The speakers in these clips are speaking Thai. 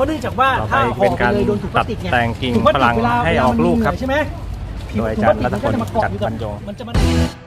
ราะเนื่องจากว่าถ้าห่อไปเลยโดนถุงพลาสติกเนี่ยแต่งกิ่งถุพลาสฝติรั่งเวลาให้ออกลูกครับใช่ไหมโดยอาจารย์รัตพล จัดบรรยงมันจะมา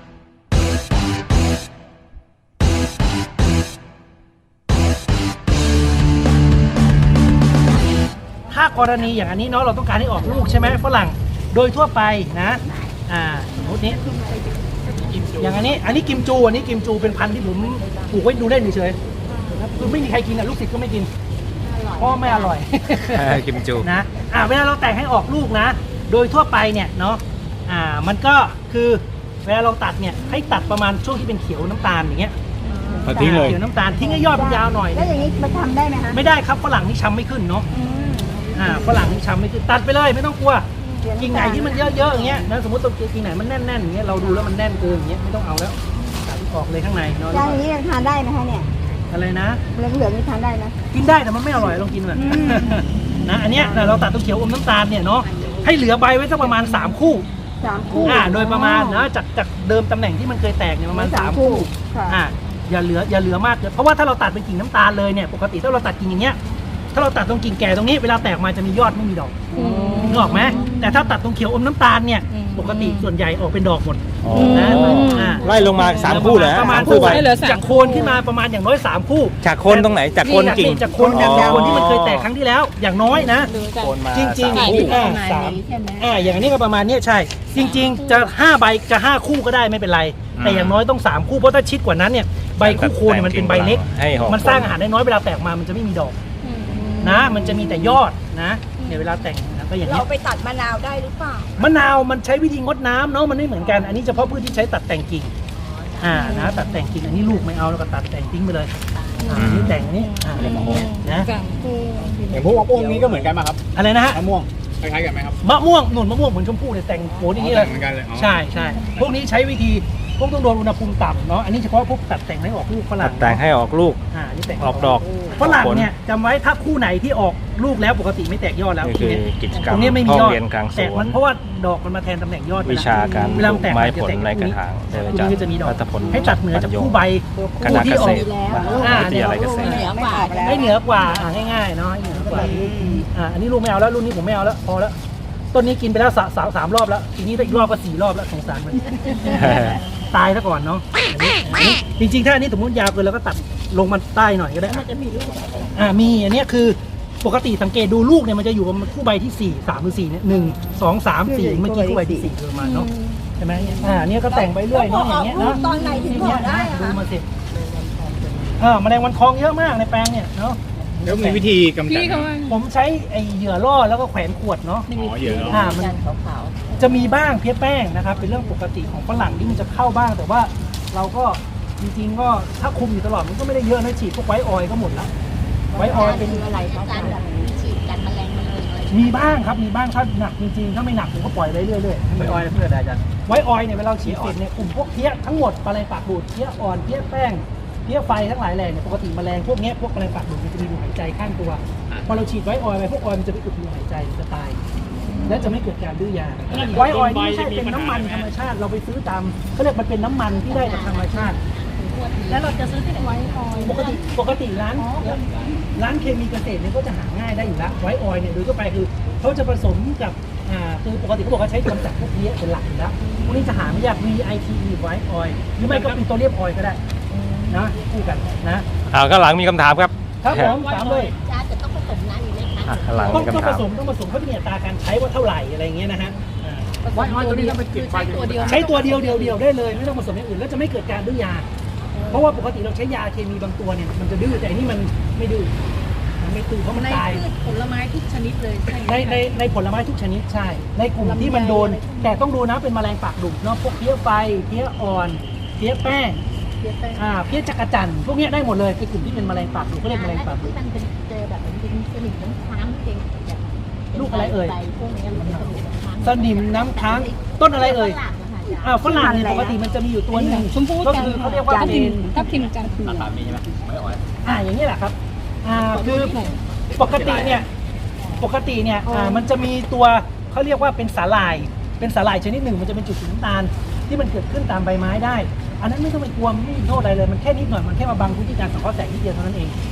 ถ้ากรณีอย่างอันนี้เนาะเราต้องการให้ออกลูกใช่ไหมฝรั่งโดยทั่วไปนะสมมตินี้อย่างอันนี้กิมจูเป็นพันธุ์ที่ผมปลูกไว้ดูเล่นเฉยๆคือไม่มีใครกินลูกศิษย์ก็ไม่กินเพราะไม่อร่อยกิมจูนะเวลาเราแต่งให้ออกลูกนะโดยทั่วไปเนี่ยเนาะมันก็คือเวลาเราตัดเนี่ยให้ตัดประมาณช่วงที่เป็นเขียวน้ำตาลอย่างเงี้ยทิ้งเลยเขียวน้ำตาลทิ้งให้ยอดมันยาวหน่อยแล้วอย่างนี้มันทำได้ไหมคะไม่ได้ครับฝรั่งนี่ช้ำไม่ขึ้นเนาะฝรั่งนี่ช้ำไม่ขึ้นตัดไปเลยไม่ต้องกลัวกิ่งไหนที่มันเยอะๆอย่างเงี้ยนะสมมติตัวกิ่งไหนมันแน่นๆอย่างเงี้ยเราดูแล้วมันแน่นเกินอย่างเงี้ยไม่ต้องเอาแล้วตัดออกเลยข้างในเนาะอย่างนี้ทานได้ไหมคะเนี่ยอะไรนะเหลืองๆนี่ทานได้นะกินได้แต่มันไม่อร่อยลองกินเลยนะอันเนี้ยเราตัดตัวเขียวอมน้ำตาลเนี่ยเนาะให้เหลือใบไว้สักประมาณ3 คู่โดยประมาณนะจากเดิมตำแหน่งที่มันเคยแตกเนี่ยประมาณ3 คู่อย่าเหลือมากเพราะว่าถ้าเราตัดเป็นกิ่งน้ำตาลเลยเนี่ยปกติถ้าเราตัดกิ่งอย่างเงี้ยถ้าเราตัดตรงกิ่งแก่ตรงนี้เวลาแตกมาจะมียอดไม่มีดอกนึกออกไหมแต่ถ้าตัดตรงเขียวอมน้ำตาลเนี่ยปกติส่วนใหญ่ออกเป็นดอกหมดนะไล่ลงมา3 คู่เลยประมาณคู่จากโคนขึ้นมาประมาณอย่างน้อย3 คู่จากโคนตรงไหนจากโคนกิ่งจากโคนที่มันเคยแตกครั้งที่แล้วอย่างน้อยนะจริงๆอย่างนี้ก็ประมาณนี้ใช่จริงๆจะ5 ใบจะ5 คู่ก็ได้ไม่เป็นไรแต่อย่างน้อยต้อง3 คู่เพราะถ้าชิดกว่านั้นเนี่ยใบคู่โคนเนี่ยมันเป็นใบเล็กมันสร้างอาหารได้น้อยเวลาแตกมามันจะไม่มีดอกนะมันจะมีแต่ยอดนะเนี่ยเวลาแต่งก็อย่างนี้เราไปตัดมะนาวได้หรือเปล่ามะนาวมันใช้วิธีงดน้ำเนาะมันไม่เหมือนกันอันนี้เฉพาะพืชที่ใช้ตัดแต่งกิ่งนะตัดแต่งกิ่งอันนี้ลูกไม่เอาแล้วก็ตัดแต่งทิ้งไปเลยนี่แต่งอันนี้นะอย่างพวกมะม่วงนี้ก็เหมือนกันไหมครับอะไรนะฮะมะม่วงคล้ายๆกันไหมครับมะม่วงเหมือนชมพู่เนี่ยแต่งโผล่อย่างนี้เลยใช่พวกนี้ใช้วิธีพวกต้องโดนอุณหภูมิต่ำเนาะอันนี้เฉพาะพวกตัดแต่งให้ออกลูกฝรั่งแต่งให้ออกลูกนี่แต่งออกดอกฝรั่งเนี่ยจำไว้ถ้าคู่ไหนที่ออกลูกแล้วปกติไม่แตกยอดแล้วคือกิจกรรมตรงนี้ไม่มียอดแต่มันเพราะว่าดอกมันมาแทนตำแหน่งยอดวิชาการเวลาแตกไม้ผลในกระถางอาจารย์จะมีดอกให้ตัดเหนือจากคู่ใบคู่ที่ออกวิทยาลัยเกษตรให้เหนือกว่าง่ายๆเนาะให้เหนือกว่าอันนี้ลูกไม่เอาแล้วรุ่นนี้ผมไม่เอาแล้วพอแล้วต้นนี้กินไปแล้ว3 รอบแล้วทีนี้อีกรอบก็4 รอบแล้วสงสารมันตายซะก่อนเนาะจริงๆถ้าอันนี้สมมติยาวเกินแล้วก็ตัดลงมาใต้หน่อยก็ได้มันจะมีลูกมีอันนี้คือปกติสังเกตดูลูกเนี่ยมันจะอยู่ประมาณคู่ใบที่4 3 หรือ 4เนี่ย1 2 3 4เมื่อกี้คู่ใบที่4ประมาณเนาะใช่ไหมเนี่ยก็แต่งไปเรื่อยเนาะอย่างเงี้ยเนาะตอนไหนถึงบอกได้ดูมาสิแมลงวันทองเยอะมากในแปลงเนี่ยเนาะแล้วมีวิธีกำจัดผมใช้ไอเหยื่อล่อแล้วก็แขวนขวดเนาะเหยื่อล่อมันจะมีบ้างเพี้ยแป้งนะครับเป็นเรื่องปกติของฝรั่งที่มันจะเข้าบ้างแต่ว่าเราก็จริงๆก็ถ้าคุมอยู่ตลอดมันก็ไม่ได้เยอะนะฉีดพวกไวท์ออยล์ก็หมดแล้วไวท์ออยล์เป็นอะไรการฉีดกันแมลงมีบ้างครับมีบ้างถ้าหนักจริงๆถ้าไม่หนักผมก็ปล่อยไปเรื่อยๆไวท์ออยล์เพื่ออะไรจ๊ะไวท์ออยล์เนี่ยเวลาฉีดเสร็จเนี่ยกลุ่มพวกเพี้ยทั้งหมดแมลงปากดูดเพี้ยอ่อนเพี้ยแป้งเพี้ยไฟทั้งหลายแหล่เนี่ยปกติแมลงพวกนี้พวกแมลงปากดูดมันจะมีรูหายใจข้างตัวพอเราฉีดไวท์ออยล์ไปพวกออยล์มันจะไปอุดรูหายใจมันจะตายและจะไม่เกิดการดื้อยาไวท์ออยล์นี่ไม่ใช่เป็นน้ำมันธรรมชาติเราไปซื้อตามเขาเรียกมันเป็นน้ำมันที่ได้จากธรรมชาติแล้วเราจะซื้อที่ไหนไวท์ออยล์ปกติร้านเคมีเกษตรเนี่ยก็จะหาง่ายได้อยู่แล้วไวท์ออยล์เนี่ยโดยทั่วไปคือเขาจะผสมกับคือปกติเขาบอกว่าใช้กำจัดพวกเพี้ยเป็นหลักอยู่แล้วพวกนี้จะหาไม่ยาก VITE ไวท์ออยล์หรือไม่ก็เป็นตัวเรียบออยล์ก็ได้นะคู่กันนะข้างหลังมีคำถามครับผมถามเลยจะต้องผสมน้ำอีกไหมคะข้างหลังมีคำถามต้องผสมเขาจะมีอัตราการใช้ว่าเท่าไหร่อะไรเงี้ยนะฮะไวท์ออยล์ตัวนี้ต้องไปเก็บใช้ตัวเดียวได้เลยไม่ต้องผสมอย่างอื่นแล้วจะไม่เกิดการดื้อยาเพราะว่าปกติเราใช้ยาเคมีบางตัวเนี่ยมันจะดื้อแต่นี่มันไม่ดื้อมันไม่ตื้อเพราะมันตายผลไม้ทุกชนิดเลยในผลไม้ทุกชนิดใช่ในกลุ่มที่มันโดนแต่ต้องดูนะเป็นแมลงปากดุเนาะพวกเพี้ยไฟเพี้ยอ่อนเพี้ยแป้งเพี้ยจักรจั่นพวกนี้ได้หมดเลยคือกลุ่มที่เป็นแมลงปากดุเขาเรียกแมลงปากดุมันเป็นเจอแบบมันเป็นสนิมน้ำค้างเองลูกอะไรเอ่ยสนิมน้ำค้างต้นอะไรเอ่ยฝรั่งเนี่ยปกติมันจะมีอยู่ตัวหนึ่งก็คือเขาเรียกว่าทับทิมจันทร์ราคามีใช่ไหมไม่อ่อยอย่างนี้แหละครับคือปกติเนี่ยมันจะมีตัวเขาเรียกว่าเป็นสาหร่ายชนิดหนึ่งมันจะเป็นจุดสีน้ำตาลที่มันเกิดขึ้นตามใบไม้ได้อันนั้นไม่ต้องไปกลัวไม่มีโทษอะไรเลยมันแค่นิดหน่อยมันแค่มาบังพื้นที่การสังเคราะห์แสงนิดเดียวเท่านั้นเอง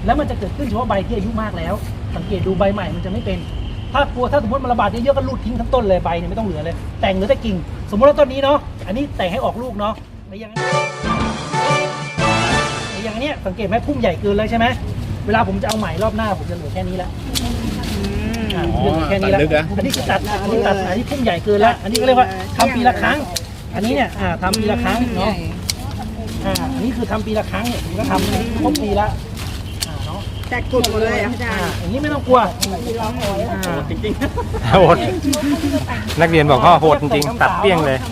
แล้วมันจะเกิดขึ้นเฉพาะใบที่อายุมากแล้ว สังเกตดูใบใหม่มันจะไม่เป็นถ้าสมมติมันระบาดเยอะๆก็รูดทิ้งทั้งต้นเลยใบเนี่ยไม่ต้องเหลือเลยแต่งเหลือแต่กิ่งสมมติว่าต้นนี้เนาะอันนี้แต่งให้ออกลูกเนาะในอย่างเนี้ยสังเกตไหมพุ่มใหญ่เกินเลยใช่ไหมเวลาผมจะเอาใหม่รอบหน้าผมจะเหลือแค่นี้แล้วเหลือแค่นี้แล้วอันนี้คือตัดอันนี้พุ่มใหญ่เกินแล้วอันนี้ก็เรียกว่าทำปีละครั้งอันนี้เนี่ยทำปีละครั้งเนาะอันนี้คือทำปีละครั้งเนี่ยผมก็ทำครบปีละเนาะแต่กลุ่มหมดเลยอาจารย์อย่างนี้ไม่ต้องกลัวจริงโหดนักเรียนบอกว่าโหดจริงๆตัดเปี้ยงเลย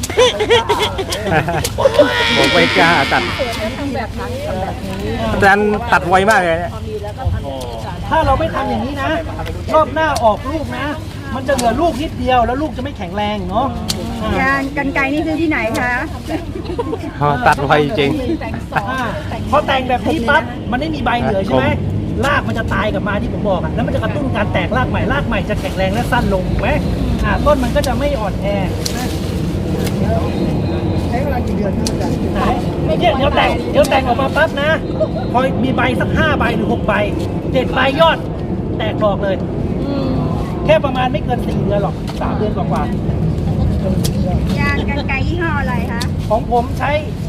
ผมไม่กล้าตัดทำแบบนั้นทำแบบนี้อาจารย์ตัดไวมากเลยเนี่ยพอมีแล้วก็ทำแบบนี้ต่อได้ถ้าเราไม่ทำอย่างนี้นะ รอบหน้าออกลูกนะ มันจะเหลือลูกนิดเดียวแล้วลูกจะไม่แข็งแรงเนาะยางกันไกรนี่ซื้อที่ไหนคะตัดไวจริงพอแต่งแบบนี้ปั๊บมันไม่มีใบเหลือใช่ไหมรากมันจะตายกลับมาที่ผมบอกอะแล้วมันจะกระตุ้นการแตกรากใหม่จะแข็งแรงและสั้นลงถูกไหมต้นมันก็จะไม่อ่อนแอใช้เวลากี่เดือนเนี่ยเดี๋ยวแต่งออกมาปั๊บนะพอมีใบสัก5 ใบหรือ6 ใบ7 ใบยอดแตกดอกเลยแค่ประมาณไม่เกิน4 เดือนหรอก3 เดือนกว่าๆยางกันไกรยี่ห้ออะไรคะของผมใช้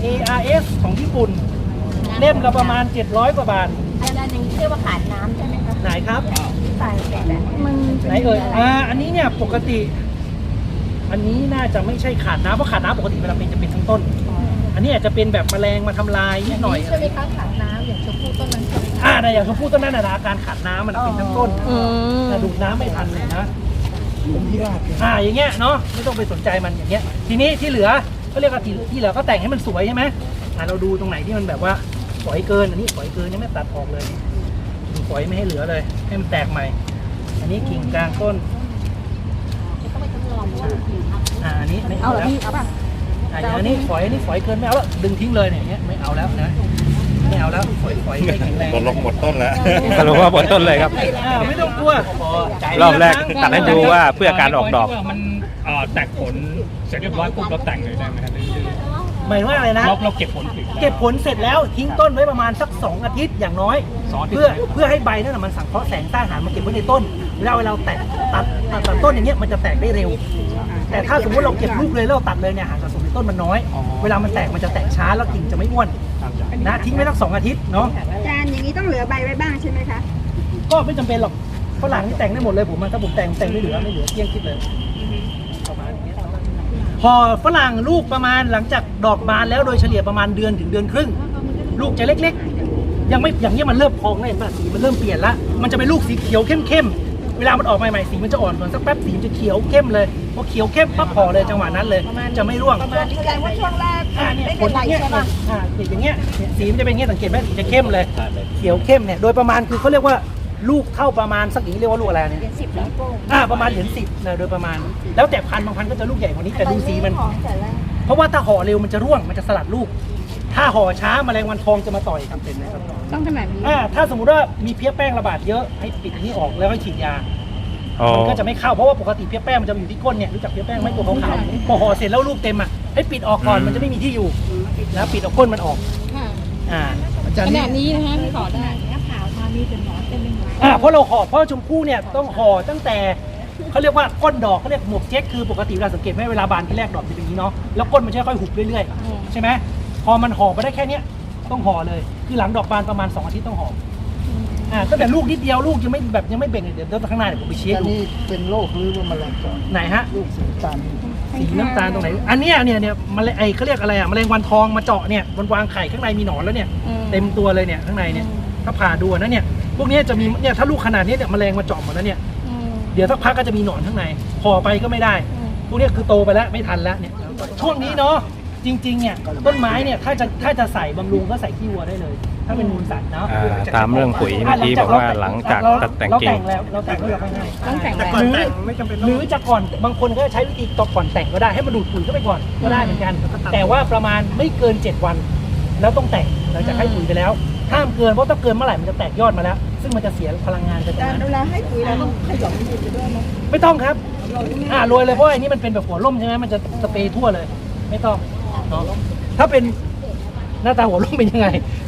ARS ของญี่ปุ่นเล่มละประมาณ700 กว่าบาทอันนั้นอย่างนี้เรียกว่าขาดน้ำใช่ไหมคะไหนครับใส่แบบมันไหนเอ่ยอันนี้เนี่ยปกติ อันนี้น่าจะไม่ใช่ขาดน้ำเพราะขาดน้ำปกติเวลาเป็นจะเป็นทั้งต้น อันนี้อาจจะเป็นแบบแมลงมาทำลายนิดหน่อยใช่ไหมคะขาดน้ำอย่างชมพู่ต้นนั้นใช่ไหมคะแต่อย่างชมพู่ต้นนั้นนะอาการขาดน้ำมันเป็นทั้งต้นแต่ดูดน้ำไม่ทันเลยนะอย่างเงี้ยเนาะไม่ต้องไปสนใจมันอย่างเงี้ย ทีนี้ที่เหลือก็เรียกว่าที่เหลือก็แต่งให้มันสวยใช่ไหมเราดูตรงไหนที่มันแบบว่าฝอยเกินอันนี้ฝอยเกินยังไม่ตัดออกเลยฝอยไม่ให้เหลือเลยให้มันแตกใหม่ อันนี้กิ่งกลางต้นก็ไม่ต้องรอว่าผิวอันนี้ไม่เอาเอาเหรอแล้วพี่เอาป่ะอันนี้ฝอยเกินไม่เอาแล้วดึงทิ้งเลยเนี่ยไม่เอาแล้วนะไม่เอาแล้วฝอยไม่แข็งแรงๆลงหมดต้นแล้วสรุปว่าบนต้นเลยครับไม่ต้องกลัวรอบแรกตัดให้ดูว่าเพื่อการออกดอกมันแตกผลเสร็จเรียบร้อยปุ๊บเราแต่งเลยได้ไหมครับหมายว่าอะไรนะเราเก็บผลถึงเก็บผลเสร็จแล้วทิ้งต้นไว้ประมาณสัก2 อาทิตย์อย่างน้อย 2 อาทิตย์เพื่อให้ใบนั่นนะมันสังเคราะห์แสงใต้อาหารมาเก็บไว้ในต้นเวลาตัดต้นอย่างเงี้ยมันจะแตกได้เร็ว แต่ถ้าสมมติเราเก็บลูกเลยแล้วเราตัดเลยเนี่ยอาหารสะสมในต้นมันน้อย เวลามันแตกมันจะแตกช้าแล้วกิ่งจะไม่อ้วนนะทิ้งไว้สัก2 อาทิตย์เนาะอาจารย์อย่างนี้ต้องเหลือใบไว้บ้างใช่ไหมคะก็ไม่จำเป็นหรอกฝรั่งนี่แต่งได้หมดเลยผมถ้าผมแต่งไม่เหลือเกลี้ยงคิดเลยประมาณนี้พอฝรั่งลูกประมาณหลังจากดอกบานแล้วโดยเฉลี่ยประมาณเดือนถึงเดือนครึ่งลูกจะเล็กๆยังไม่อย่างนี้มันเริ่มพองแล้วเห็นป่ะสีมันเริ่มเปลี่ยนละมันจะเป็นลูกสีเขียวเข้มๆเวลามันออกใหม่ๆสีมันจะอ่อนก่อนสักแป๊บสีมันจะเขียวเข้มเลยพอเขียวเข้มปั๊บพอเลยจังหวะนั้นเลยจะไม่ร่วงประมาณแสดงว่าช่วงแรกเนี่ยไม่ผเป็ลนไรอย่างเงี้ยใช่ป่ะอย่างเงี้ยสีมันจะเป็นอย่างเงี้ยสังเกตไหมสีจะเข้มเลยเขียวเข้มเนี่ยโดยประมาณคือเขาเรียกว่าลูกเท่าประมาณสักอย่างนี้เรียกว่าลูกอะไรเนี่ยเหรียญ10แล้วโป้งประมาณเหรียญ10นะโดยประมาณแล้วแต่พันธุ์บางพันธุ์ก็จะลูกใหญ่กว่านี้แต่ดูสีมันของแต่แรกเพราะว่าถ้าห่อเร็วมันจะร่วงมันจะสลัดลูก ถ้าห่อช้าแมลงวันทองจะมาต่อยครับเป็นไหมครับต้องขนาดนี้ถ้าสมมุติว่ามีเพี้ยแป้งระบาดเยอะให้ปิดอันนี้ออกแล้วให้ฉีดยาอ๋อมันก็จะไม่เข้าเพราะว่าปกติเพี้ยแป้งมันจะอยู่ที่ก้นเนี่ยรู้จักเพี้ยแป้งไหมตัวขาวๆพอห่อเสร็จแล้วลูกเต็มให้ปิดออกก่อนมันจะไม่มีที่อยู่แล้วปิดเอาก้นมันออกค่ะ ขนาดนี้นะคะพี่ขอได้หน้าขาวมามีเป็นหมอเต็มไปหมดเพราะเราห่อเพราะชมพู่เนี่ยต้องห่อตั้งแต่เขาเรียกว่าก้นดอกเขาเรียกหมวกเจ๊กคือปกติเราสังเกตไหมเวลาบานที่แรกดอกเป็นอย่างนี้เนาะแล้วก้นมันจะค่อยๆหุบเรื่อยๆใช่ไหมพอมันห่อไปได้แค่เนี้ยต้องห่อเลยคือหลังดอกบานประมาณ2 อาทิตย์ต้องห่อตั้งแต่ลูกนิดเดียวลูกยังไม่เบ่งเลยเดี๋ยวข้างหน้าเดี๋ยวผมไปเช็คดูนี่เป็นโรคหรือว่าแมลงก่อนไหนฮะลูกสีตันสีน้ำตาลตรงไหนอันเนี้ยมันเขาเรียกอะไรแมลงวันทองมาเจาะเนี่ยมันวางไข่ข้างในมีหนอนแล้วเนี่ยเต็มตัวเลยเนี่ยข้างในเนี่ยถ้าผ่าดูนะเนี่ยพวกนี้จะมีเนี่ยถ้าลูกขนาดนี้เนี่ยแมลงมาเจาะหมดแล้วเนี่ยเดี๋ยวสักพักก็จะมีหนอนข้างในห่อไปก็ไม่ได้พวกนี้คือโตไปแล้วไม่ทันแล้วเนี่ยช่วงนี้เนาะจริงๆเนี่ยต้นไม้เนี่ยถ้าจะใส่บำรุงก็ใส่ขี้วัวได้เลย ถ้าเป็นมูลสัตว์เนาะตามเรื่องปุ๋ยเมื่อกี้บอกว่าหลังจากตัดแต่งกิ่งเราแต่งแล้วเราให้ต้องแต่งแบบหรือจะก่อนบางคนก็ใช้วิธีก่อนแต่งก็ได้ให้มันดูดปุ๋ยเข้าไปก่อนก็ได้เหมือนกันแต่ว่าประมาณไม่เกิน7 วันแล้วต้องแต่งหลังจากให้ปุ๋ยไปแล้วห้ามเกินเพราะถ้าเกินเมื่อไหร่มันจะแตกยอดมาแล้ว ซึ่งมันจะเสียพลังงานไปตรงแต่นั้นเวลาให้ปุ๋ยเราต้องขยำดินไปด้วยไหมไม่ต้องครับโรยเลยเพราะอันนี้มันเป็นแบบหัวร่มใช่ไหมมันจะสเปรย์ทั่วเลยไม่ต้องเนาะถ้าเป็นหน้าตาหัวร่มเป็นยังไง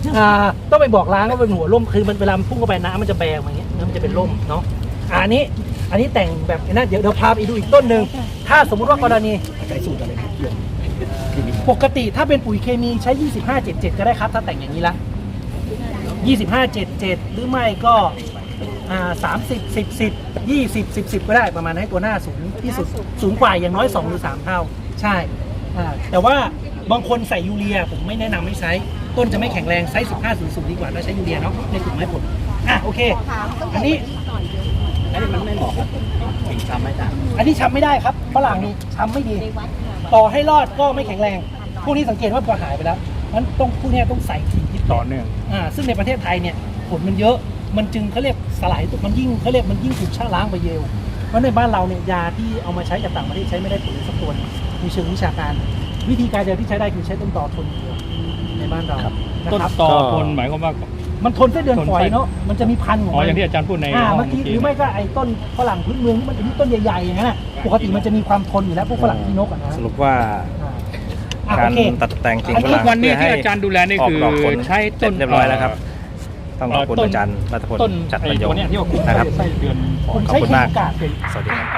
ต้องไปบอกร้านว่าเป็นหัวร่มคือมันเวลามันพุ่งเข้าไปน้ำมันจะแบงมาอย่างเงี้ยน้ำมันจะเป็นร่มเนาะอันนี้แต่งแบบนั้นเดี๋ยวพาไปดูอีกต้นหนึ่งถ้าสมมุติว่ากรณีใช้สูตรอะไรปกติถ้าเป็นปุ๋ยเคมีใช้ 25-77 ก็ได้ครับถ้าแต่งอย่างนี้ละ 25-77 หรือไม่ก็30-10-10 20-10-10 ก็ได้ประมาณให้ตัวหน้าสูงที่สุดสูงกว่าอย่างน้อย2หรือ3เท่าใช่แต่ว่าบางคนใส่ยูเรียผมไม่แนะนำให้ใช้ต้นจะไม่แข็งแรงไซส์15-00ดีกว่าถ้าใช้ยูเรียเนาะในกลุ่มไม้ผลโอเคอันนี้มันไม่เหมาะถึงช้ำไม่ได้อันนี้ช้ำไม่ได้ครับฝรั่งนี่ช้ำไม่ดีต่อให้รอดก็ไม่แข็งแรงพวกนี้สังเกตว่าพอหายไปแล้วมันต้องพวกนี้ต้องใส่ถี่ที่ต่อเนื่องซึ่งในประเทศไทยเนี่ยผลมันเยอะมันจึงเขาเรียกสลายตัวมันยิ่งเขาเรียกมันยิ่งถูกชะล้างไปเร็วเพราะในบ้านเราเนี่ยยาที่เอามาใช้จากต่างประเทศใช้ไม่ได้ผลสักตัวมีเชิงวิชาการวิธีการเดียวที่ใช้ได้คือใช้ต้นตอทนเดียวในบ้านเราต้นตอทนหมายความว่ามันทนไส้เดือนฝอยเนาะมันจะมีพันธุ์ของมันอย่างที่อาจารย์พูดในห้องเมื่อกี้หรือไม่ก็ไอ้ต้นฝรั่งพื้นเมืองที่มันเป็นต้นใหญ่ๆอย่างนั้นปกติมันจะมีความทนอยู่แล้วพวกฝรั่งที่นกอ่ะนะสรุปว่าการตัดแต่งกิ่งฝทุรั่กงวันนี้เพื่อให้ที่อาจารย์ดูแลนี่ออกคือดอกผลใช้ต้นเรียบร้อยแล้วครับ ต้องขอบคุณอาจารย์รัตพลต้นจัดไอ้บรรยตัวงเนี้ยที่ว่าคุมนะครับไส้เดือนฝอยผมขอบใช้คุณคีมากกาดสวัสดีครับ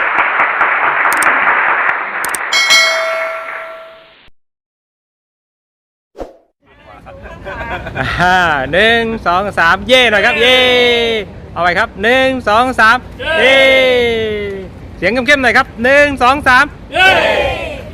1 2 3 เย่หน่อยครับเย่เอาไปครับ1 2 3 เย่เสียงเข้มๆหน่อยครับ1 2 3 เย่